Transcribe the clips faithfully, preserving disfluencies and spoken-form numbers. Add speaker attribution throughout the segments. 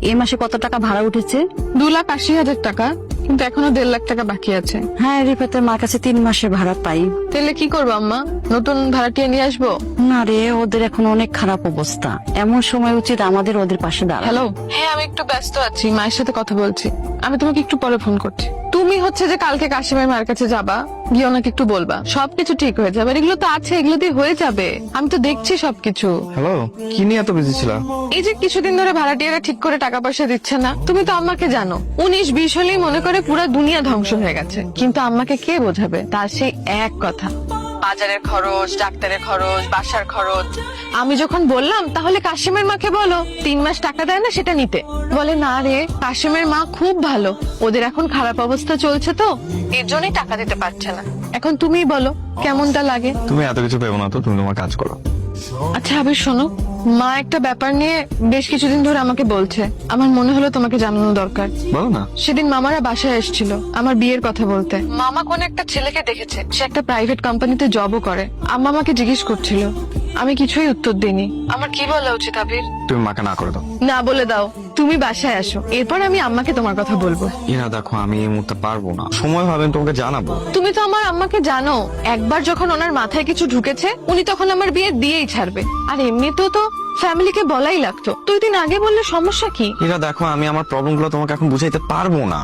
Speaker 1: এই মাসে কত টাকা ভাড়া উঠেছে?
Speaker 2: দু লাখ আশি হাজার টাকা, কিন্তু এখনো দেড় লাখ টাকা বাকি আছে।
Speaker 1: হ্যাঁ, রিফাতের মার কাছে তিন মাসের ভাড়া পাই।
Speaker 2: তাহলে কি করবো আম্মা? নতুন ভাড়াটিয়া নিয়ে আসবো?
Speaker 1: না রে, ওদের এখন অনেক খারাপ অবস্থা। এমন সময় উচিত আমাদের ওদের পাশে দাঁড়ানো।
Speaker 2: হ্যালো, হ্যাঁ আমি একটু ব্যস্ত আছি, মায়ের সাথে কথা বলছি। আমি তোমাকে একটু পরে ফোন করছি। তুমি হচ্ছে যে কালকে কাশিমের মায়ের কাছে যাবা, গিয়ে ওনাকে একটু বলবা সবকিছু ঠিক হয়ে যাবে। আর এগুলো তো আছে, এগুলো দিয়ে হয়ে যাবে। আমি তো দেখছি সবকিছু।
Speaker 3: হ্যালো, কি নিয়ে এত বিজি ছিল?
Speaker 2: এই যে কিছুদিন ধরে ভাড়াটিয়ারা ঠিক করে টাকা পয়সা দিচ্ছে না, তুমি তো আম্মাকে জানো। উনিশ বিশ হলেই মনে করে পুরো দুনিয়া ধ্বংস হয়ে গেছে, কিন্তু আম্মাকে কে বোঝাবে? তার সেই এক কথা, বাজারের খরচ, ডাক্তারের খরচ, বাসার খরচ। আমি যখন বললাম তাহলে কাশিমের মাকে বলো তিন মাস টাকা দেয় না সেটা নিতে, বলে না রে কাশিমের মা খুব ভালো, ওদের এখন খারাপ অবস্থা চলছে তো এর জন্যই টাকা দিতে পারছে না। এখন তুমি বলো কেমনটা লাগে?
Speaker 3: তুমি এত কিছু ভেবো না তো, তুমি তোমার কাজ করো।
Speaker 2: আচ্ছা আবির শোনো, মা একটা ব্যাপার নিয়ে বেশ কিছুদিন ধরে আমাকে বলছে, আমার মনে হলো তোমাকে জানানো দরকার।
Speaker 3: বলো না।
Speaker 2: সেদিন মামারা বাসায় এসেছিল আমার বিয়ের কথা বলতে। মামা কোন একটা ছেলেকে দেখেছে, সে একটা প্রাইভেট কোম্পানিতে জবও করে। আম্মা আমাকে জিজ্ঞেস করছিল, আমি কিছুই উত্তর দিইনি। আমার কি বলা উচিত আবির?
Speaker 3: তুমি মাকে না করে দাও।
Speaker 2: না বলে দাও, তুমি বাসায় আসো, এরপর আমি আম্মাকে তোমার কথা বলবো।
Speaker 3: ইরা দেখো, আমি এই মুহূর্তে পারবো না, সময় হবে তোমাকে জানাবো।
Speaker 2: তুমি তো আমার আম্মাকে জানো, একবার যখন ওনার মাথায় কিছু ঢুকেছে উনি তখন আমার বিয়ে দিয়েই ছাড়বে। আর এমনিতেও তো ফ্যামিলিকে বলাই লাগতো, দুই দিন আগে বললে সমস্যা কি?
Speaker 3: ইরা দেখো, আমি আমার প্রবলেম গুলো তোমাকে এখন বুঝাইতে পারবো না।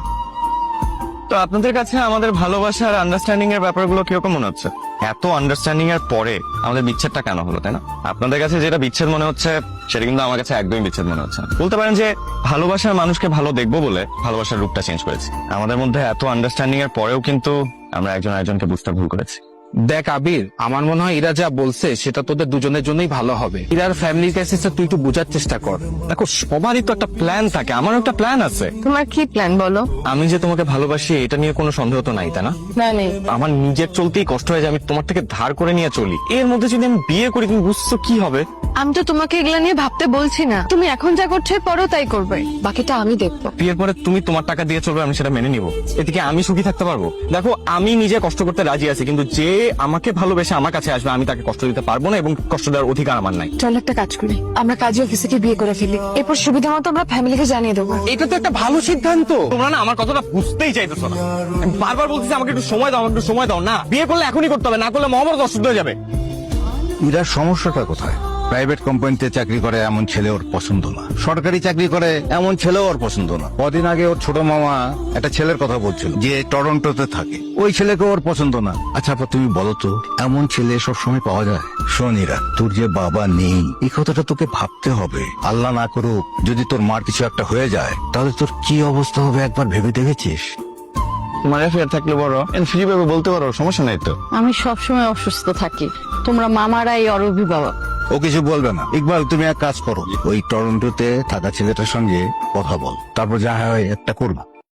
Speaker 3: তো আপনাদের কাছে আমাদের ভালোবাসার আন্ডারস্ট্যান্ডিং এর ব্যাপারগুলো কিরকম মনে হচ্ছে? এত আন্ডারস্ট্যান্ডিং এর পরে আমাদের বিচ্ছেদটা কেন হলো, তাই না? আপনাদের কাছে যেটা বিচ্ছেদ মনে হচ্ছে সেটা কিন্তু আমার কাছে একদমই বিচ্ছেদ মনে হচ্ছে না। বলতে পারেন যে ভালোবাসার মানুষকে ভালো দেখবো বলে ভালোবাসার রূপটা চেঞ্জ করেছি। আমাদের মধ্যে এত আন্ডারস্ট্যান্ডিং এর পরেও কিন্তু আমরা একজন আরেকজনকে বুঝতে ভুল করেছি।
Speaker 4: দেখ আবির, আমার মনে হয় ইরা যা বলছে সেটা তোদের দুজনের জন্যই ভালো হবে। ইরার ফ্যামিলির কাছে তুই একটু বোঝার চেষ্টা কর।
Speaker 3: দেখো, সবারই তো একটা প্ল্যান থাকে, আমারও একটা প্ল্যান আছে।
Speaker 2: তোমার কি প্ল্যান বলো?
Speaker 3: আমি যে তোমাকে ভালোবাসি এটা নিয়ে কোনো সন্দেহ তো নাই, তাই না?
Speaker 2: না নেই।
Speaker 3: আমার নিজের চলতেই কষ্ট হয়ে যায়, আমি তোমার থেকে ধার করে নিয়ে চলি। এর মধ্যে যদি আমি বিয়ে করি, তুমি বুঝছো কি হবে?
Speaker 2: আমি তো তোমাকে এগুলা নিয়ে ভাবতে বলছি না, তুমি এখন যা করছো পরও তাই করবে, বাকিটা আমি দেখবো।
Speaker 3: বিয়ের পরে তুমি তোমার টাকা দিয়ে চলবে, আমি সেটা মেনে নিব। এদিকে আমি সুখী থাকতে পারবো? দেখো, আমি নিজে কষ্ট করতে রাজি আছি, কিন্তু যে আমাকে ভালোবেসে আমার কাছে আসবে আমি তাকে কষ্ট দিতে পারবো না, এবং কষ্ট দেওয়ার অধিকার আমার নাই।
Speaker 2: চল একটা কাজ করি, আমরা কাজী অফিসে গিয়ে বিয়ে করে ফেলি, এরপর সুবিধা মতো আমরা ফ্যামিলিকে জানিয়ে দেবো।
Speaker 4: এটা তো একটা ভালো সিদ্ধান্ত।
Speaker 3: তোমরা না আমার কথাটা বুঝতেই চাইতেছো না। আমি বারবার বলতেছি আমাকে একটু সময় দাও, আমাকে একটু সময় দাও। না, বিয়ে করলে এখনই করতে হবে, না করলে মহাভারত অশুদ্ধ হয়ে যাবে।
Speaker 5: ইরার সমস্যাটা কোথায়? প্রাইভেট কোম্পানিতে চাকরি করে এমন ছেলে ওর পছন্দ না, সরকারি চাকরি করে এমন ছেলেও ওর পছন্দ না। কদিন আগে ওর ছোট মামা একটা ছেলের কথা বলছিল যে টরন্টোতে থাকে, ওই ছেলেকে ওর পছন্দ না। আচ্ছা আপা, তুমি বলো তো, এমন ছেলে সবসময় পাওয়া যায়? শোন ইরা, তোর যে বাবা নেই এই কথাটা তোকে ভাবতে হবে। আল্লাহ না করুক যদি তোর মার কিছু একটা হয়ে যায়, তাহলে তোর কি অবস্থা হবে একবার ভেবে দেখেছিস?
Speaker 3: তোমার অ্যাফেয়ার থাকলে বড় ফ্রি ভাবে বলতে পারো, সমস্যা নাই তো।
Speaker 1: আমি সবসময় অসুস্থ থাকি, তোমরা মামারাই ওর অভিভাবক।
Speaker 5: ও কিছু বলবে না। ইকবাল, তুমি এক কাজ করো, ওই টরন্টোতে থাকা ছেলেটার সঙ্গে কথা বল, তারপর যা হয় একটা করবা।